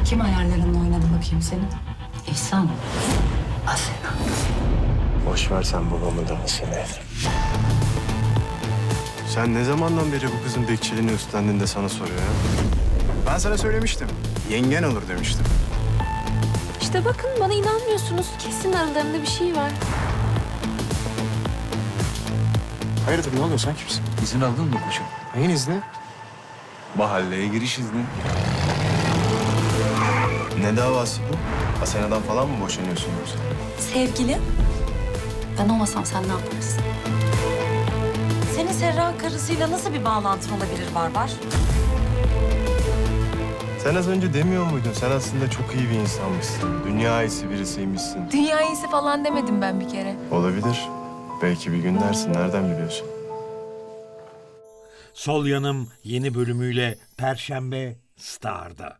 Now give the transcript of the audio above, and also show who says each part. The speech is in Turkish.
Speaker 1: Kim hayallerinle oynadı bakayım senin? İhsan. Asena.
Speaker 2: Boş ver sen babamı da Asena'yı. Sen ne zamandan beri bu kızın bekçiliğini üstlendin de sana soruyor ya?
Speaker 3: Ben sana söylemiştim. Yengen olur demiştim.
Speaker 4: İşte bakın bana inanmıyorsunuz. Kesin aralarında bir şey var.
Speaker 3: Hayırdır ne oluyor, sen kimsin?
Speaker 5: İzin aldın mı koçum?
Speaker 3: Neyin izni?
Speaker 5: Mahalleye giriş izni.
Speaker 2: Ne davası bu? Asena'dan falan mı boşanıyorsun yoksa?
Speaker 1: Sevgili. Ben olmasam sen ne yaparsın?
Speaker 6: Senin Serra karısıyla nasıl bir bağlantın olabilir Barbar?
Speaker 2: Sen az önce demiyor muydun? Sen aslında çok iyi bir insanmışsın. Dünya iyisi birisiymişsin.
Speaker 4: Dünya iyisi falan demedim ben bir kere.
Speaker 2: Olabilir. Belki bir gün dersin. Nereden biliyorsun?
Speaker 7: Sol Yanım yeni bölümüyle Perşembe Star'da.